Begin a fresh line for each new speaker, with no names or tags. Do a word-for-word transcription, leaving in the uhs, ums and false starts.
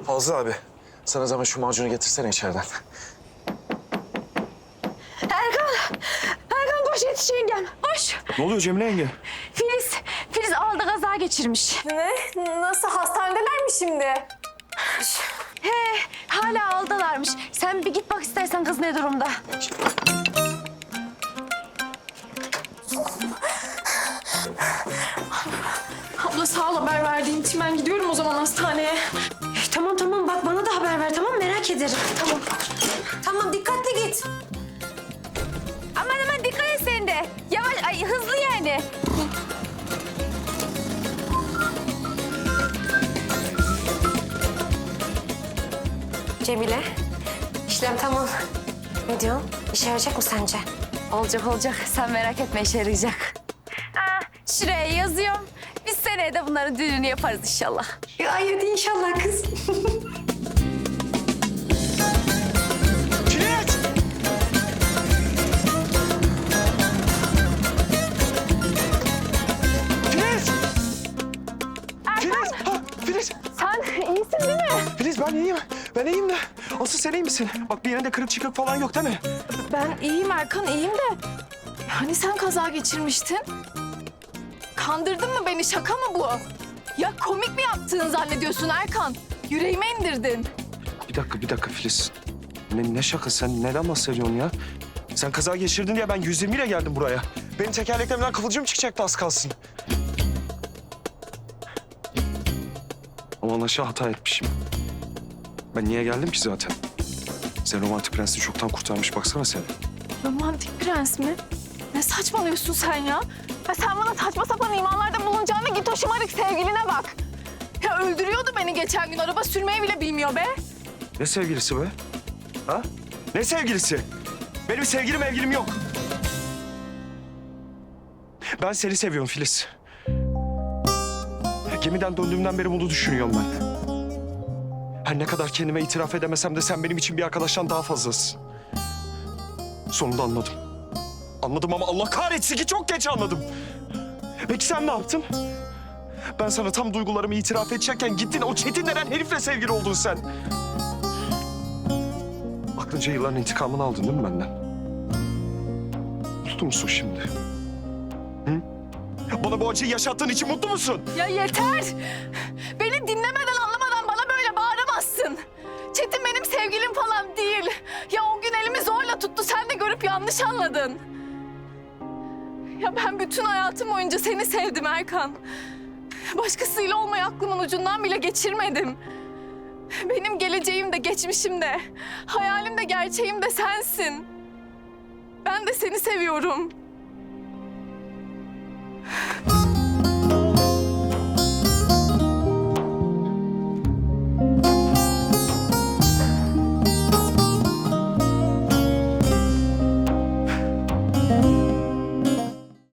Fazla abi, sana zaman şu macunu getirsene içeriden.
Erkan! Erkan koş yetiş yengem. Koş.
Ne oluyor Cemile yenge?
Filiz, Filiz aldı kaza geçirmiş.
Ne? Nasıl? Hastanedeler mi şimdi?
He, hala aldılarmış. Sen bir git bak istersen kız ne durumda.
Abla sağ ol haber verdiğin için. Ben gidiyorum o zaman hastaneye.
Tamam tamam bak bana da haber ver tamam merak ederim. Tamam.
Tamam dikkatli git.
Aman aman dikkat et sen de. Yavaş, ay hızlı yani.
Cemile, işlem tamam. Ne diyorsun? İşe yarayacak mı sence?
Olacak olacak. Sen merak etme işe yarayacak. Ha, şuraya yazıyorum. Biz seneye de bunların düğününü yaparız inşallah.
Ya hadi inşallah kız.
Filiz! Filiz! Filiz! Ha, Filiz!
Sen iyisin değil mi?
Filiz ben iyiyim. Ben iyiyim de. Asıl sen iyi misin? Bak bir yerinde kırık çıkık falan yok değil mi?
Ben iyiyim Erkan, iyiyim de. Hani sen kaza geçirmiştin? Kandırdın mı beni? Şaka mı bu? Ya komik mi yaptığını zannediyorsun Erkan? Yüreğime indirdin.
Bir dakika, bir dakika Filiz. Ne, ne şaka sen? Neden bahsediyorsun ya? Sen kaza geçirdin diye ben yüz yirmi ile geldim buraya. Benim tekerleklerimden kıvılcım çıkacaktı az kalsın. Ama anlaşılan hata etmişim. Ben niye geldim ki zaten? Sen romantik prensi çoktan kurtarmış baksana sen.
Romantik prens mi? Ne saçmalıyorsun sen ya? Ya sen bana saçma sapan imanlarda bulunacağına git o şımarık sevgiline bak. Ya öldürüyordu beni geçen gün. Araba sürmeyi bile bilmiyor be.
Ne sevgilisi be? Ha? Ne sevgilisi? Benim sevgilim mevgilim yok. Ben seni seviyorum Filiz. Gemiden döndüğümden beri bunu düşünüyorum ben. Her ne kadar kendime itiraf edemesem de sen benim için bir arkadaştan daha fazlasın. Sonunda anladım. Anladım ama Allah kahretsin ki çok geç anladım. Peki sen ne yaptın? Ben sana tam duygularımı itiraf edecekken gittin o Çetin denen herifle sevgili oldun sen. Aklınca yılların intikamını aldın değil mi benden? Mutlu musun şimdi? Hı? Bana bu acıyı yaşattığın için mutlu musun?
Ya yeter! Beni dinlemeden anlamadan bana böyle bağıramazsın. Çetin benim sevgilim falan değil. Ya o gün elimi zorla tuttu, sen de görüp yanlış anladın. Ya ben bütün hayatım boyunca seni sevdim Erkan. Başkasıyla olmayı aklımın ucundan bile geçirmedim. Benim geleceğim de geçmişim de, hayalim de gerçeğim de sensin. Ben de seni seviyorum.